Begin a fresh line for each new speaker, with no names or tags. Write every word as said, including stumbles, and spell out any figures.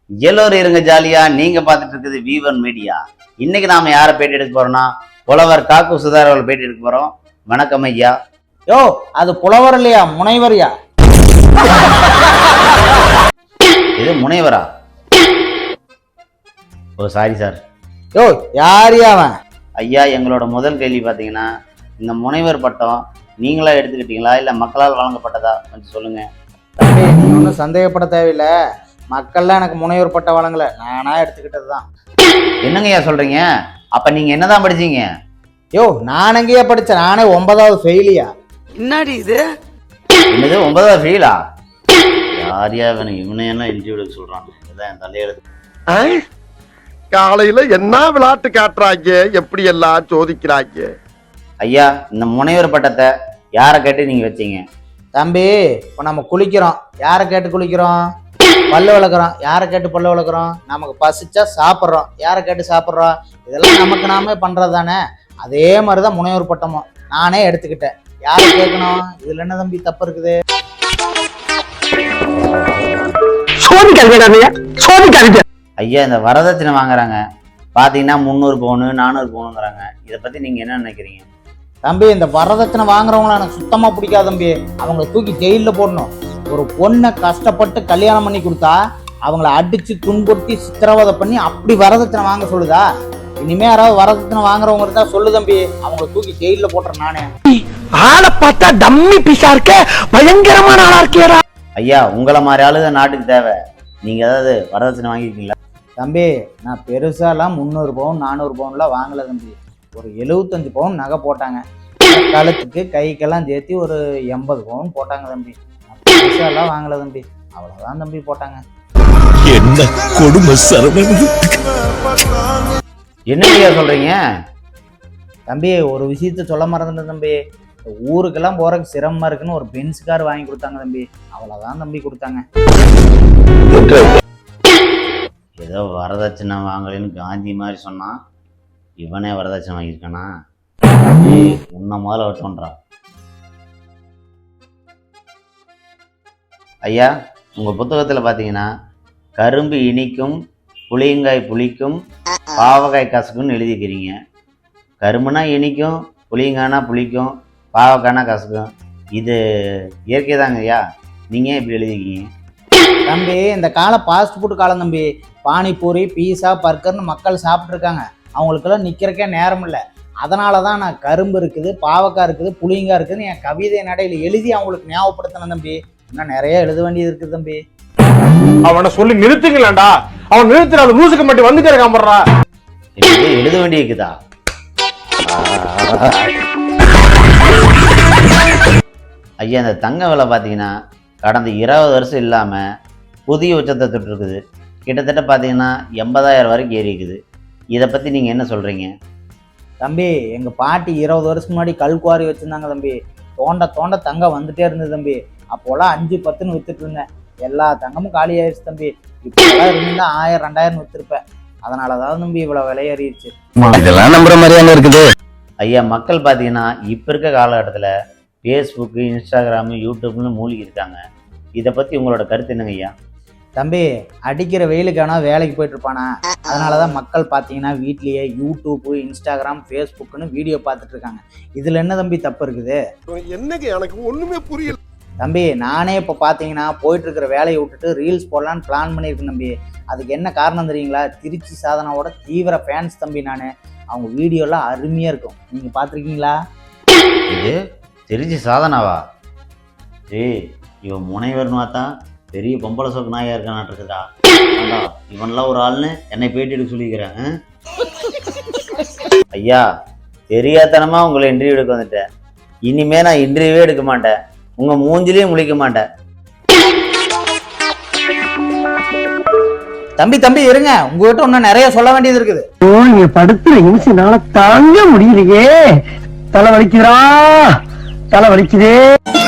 எல்லோரும் இருங்க ஜாலியா. நீங்க பார்த்துட்டு இருக்குது வீவன் மீடியா. இன்னைக்கு நாம யாரை பேட்டி எடுக்க போறோம்னா புலவர் காக்கு சுதார் அவர்கள் பேட்டி எடுக்க போறோம். வணக்கம் ஐயா.
யோ அது புலவர் இல்லையா, முனைவர்யா.
இது முனைவரா? ஓ சாரி சார்.
யோ யாரியா அவன்?
ஐயா, எங்களோட முதல் கேள்வி பார்த்தீங்கன்னா, இந்த முனைவர் பட்டம் நீங்களா எடுத்துக்கிட்டீங்களா இல்லை மக்களால் வழங்கப்பட்டதா கொஞ்சம் சொல்லுங்க.
தம்பி, நீ ஒன்றும் சந்தேகப்பட தேவையில்லை. மக்கள்லாம் எனக்கு முனைவர் பட்டம் வழங்கல, நானா எடுத்துக்கிட்டது தான்.
என்னங்க ஐயா சொல்றீங்க? அப்ப நீங்க என்னதான் படிச்சீங்க?
யோ நான் எங்கேயா படித்தேன்? நானே ஒன்பதாவது ஃபெயிலியா.
என்னடி இது?
என்னது ஒன்பதாவது ஃபெயிலா? யாரியா இவனு இவனை என்ன இன்டர்வியூ எடுக்க சொல்றான்? இதான் என் தலையெழுத்து.
காலையில என்ன விளையாட்டு காட்டுறாங்க, எப்படி எல்லாம் சோதிக்கிறாங்க.
ஐயா, இந்த முனைவர் பட்டத்தை யாரை கேட்டு நீங்க வச்சீங்க?
தம்பி, இப்போ நம்ம குளிக்கிறோம், யாரை கேட்டு குளிக்கிறோம்? பல்லு விளக்குறோம், யாரை கேட்டு பல்லு விளக்குறோம்? நமக்கு பசிச்சா சாப்பிட்றோம், யாரை கேட்டு சாப்பிட்றோம்? இதெல்லாம் நமக்கு நாமே பண்றது தானே. அதே மாதிரிதான் முனைவர் பட்டமும் நானே எடுத்துக்கிட்டேன். யாரை கேட்கணும்? இதுல என்ன தம்பி தப்பு இருக்குது?
ஐயா, இந்த வரதட்சணை வாங்குறாங்க பாத்தீங்கன்னா முந்நூறு பவுனு நானூறு பவுனுங்கிறாங்க. இதை பத்தி நீங்க என்ன நினைக்கிறீங்க?
தம்பி, இந்த வரதட்சணை வாங்குறவங்கள எனக்கு சுத்தமா பிடிக்காது தம்பி. அவங்கள தூக்கி ஜெயிலில் போடணும். ஒரு பொண்ணை கஷ்டப்பட்டு கல்யாணம் பண்ணி கொடுத்தா அவங்கள அடிச்சு துன்புறுத்தி சித்திரவதை பண்ணி அப்படி வரதட்சணை வாங்க சொல்லுதா? இனிமே யாராவது வரதட்சணை வாங்குறவங்க இருந்தா சொல்லு தம்பி, அவங்கள தூக்கி ஜெயில போட்டுறேன் நானே.
ஆளை பார்த்தா டம்மி பீஸா இருக்க, பயங்கரமான ஆளா இருக்கேடா.
ஐயா, உங்களை மாதிரி ஆளுங்க நாட்டுக்கு தேவை. நீங்க ஏதாவது வரதட்சணை வாங்கிருக்கீங்களா?
தம்பி, நான் பெருசாலாம் முந்நூறு பவுன் நானூறு பவுன்லாம் வாங்கல தம்பி. ஒரு எழுபத்தஞ்சு பவுன் நகை போட்டாங்க. கழுத்துக்கு கைக்கெல்லாம் சேர்த்து ஒரு எண்பது பவுன் போட்டாங்க தம்பி. பெருசாலாம் வாங்கல தம்பி, அவ்வளவுதான் தம்பி போட்டாங்க.
என்ன கொடுமை சரவணன்.
என்ன சொல்றீங்க
தம்பி? ஒரு விஷயத்த சொல்ல மறந்துட்டேன் தம்பி. ஊருக்கெல்லாம் போறதுக்கு சிரமமா இருக்குன்னு ஒரு பென்ஸ் கார் வாங்கி கொடுத்தாங்க தம்பி. அவ்வளவுதான் தம்பி கொடுத்தாங்க.
ஏதோ வரதட்சணை வாங்கலன்னு காந்தி மாதிரி சொன்னா, இவனே வரதட்சணை வாங்கியிருக்கானா? உன்ன முதல்ல வட்டோன்றா. ஐயா, உங்க புத்தகத்துல பாத்தீங்கன்னா கரும்பு இனிக்கும், புளியங்காய் புளிக்கும், பாவக்காய் கசக்கும்னு எழுதிக்கிறீங்க. கரும்புனா இனிக்கும், புளியங்காய்னா புளிக்கும், பாவக்காய்னா கசக்கும். இது இயற்கை தாங்க ஐயா, நீங்க இப்படி எழுதிக்கிங்க?
தம்பி, இந்த காலம் ஃபாஸ்ட் ஃபுட் காலம் தம்பி. பானிபூரி, பீஸா, பர்கர்னு மக்கள் சாப்பிட்டு இருக்காங்க. அவங்களுக்கெல்லாம் நிக்கிறக்கே நேரம் இல்லை. அதனால தான் நான் கரும்பு இருக்குது, பாவக்காய் இருக்குது, புளியங்காய் இருக்குதுன்னு என் கவிதை நடையில் எழுதி அவங்களுக்கு ஞாபகப்படுத்தினேன் தம்பி. இன்னும் நிறைய எழுத வேண்டியது இருக்குது தம்பி.
அவனை சொல்லி நிறுத்துங்களேன்டா. அவன் நிறுத்தினாலும் லூசுக்கு மட்டும் வந்துட்டே இருக்காமறா.
எழுத வேண்டி இருக்குதா? ஐயா, இந்த தங்க விலை பார்த்தீங்கன்னா கடந்த இருபது வருஷம் இல்லாமல் புதிய உச்சத்தை தொட்டு இருக்குது. கிட்டத்தட்ட பார்த்தீங்கன்னா எண்பதாயிரம் வரைக்கும் ஏறி இருக்குது. இதை பற்றி நீங்கள் என்ன சொல்கிறீங்க?
தம்பி, எங்கள் பாட்டி இருபது வருஷத்துக்கு முன்னாடி கல்குவாரி வச்சுருந்தாங்க தம்பி. தோண்ட தோண்ட தங்கம் வந்துட்டே இருந்தது தம்பி. அப்போலாம் அஞ்சு பத்துன்னு வித்துட்டு இருந்தேன். எல்லா தங்கமும் காலி ஆயிடுச்சு தம்பி. இப்போலாம் இருந்தா ஆயிரம் ரெண்டாயிரம் வித்துருப்பேன். அதனால தான் தம்பி இவ்வளோ விலையேறிடுச்சு.
இதெல்லாம் நம்புற மாதிரியான இருக்குது.
ஐயா, மக்கள் பார்த்தீங்கன்னா இப்போ இருக்க காலகட்டத்தில் ஃபேஸ்புக்கு, இன்ஸ்டாகிராமு, யூடியூப்னு மூழ்கி இருக்காங்க. இதை பற்றி உங்களோட கருத்து என்னங்க ஐயா?
தம்பி, அடிக்கிற வெயிலுக்கான வேலைக்கு போயிட்டு இருப்பானா? அதனால தான் மக்கள் பார்த்தீங்கன்னா வீட்லேயே யூடியூப்பு, இன்ஸ்டாகிராம், ஃபேஸ்புக்குன்னு வீடியோ பார்த்துட்டு இருக்காங்க. இதில் என்ன தம்பி தப்பு இருக்குது?
என்னங்க எனக்கு ஒண்ணுமே புரியல
தம்பி. நானே இப்போ பார்த்தீங்கன்னா போயிட்டு இருக்கிற வேலையை விட்டுட்டு ரீல்ஸ் போடலான்னு பிளான் பண்ணியிருக்கேன் தம்பி. அதுக்கு என்ன காரணம் தெரியுங்களா? திருச்சி சாதனாவோட தீவிர ஃபேன்ஸ் தம்பி நான். அவங்க வீடியோலாம் அருமையாக இருக்கும். நீங்கள் பார்த்துருக்கீங்களா?
இது திருச்சி சாதனாவா? ஏய், இவன் முனைவர்னு பார்த்தா பெரிய பொம்பளை சோக்கு நாயா இருக்கானாட்டு இருக்குதா? இவன்லாம் ஒரு ஆள்னு என்னை பேட்டி எடுக்க சொல்லிக்கிறேன். ஐயா, தெரியாதனமா உங்களை இன்டர்வியூ எடுக்க வந்துட்டேன். இனிமே நான் இன்டர்வியூவே எடுக்க மாட்டேன். உங்க மூஞ்சிலையும் முழிக்க மாட்டேன்.
தம்பி தம்பி இருங்க, உங்ககிட்ட இன்னும் நிறைய சொல்ல வேண்டியது இருக்குது.
நீங்க படுத்துற இன்சினால தாங்க முடியலையே. தலை வலிக்குதா, தலை வலிக்குதே.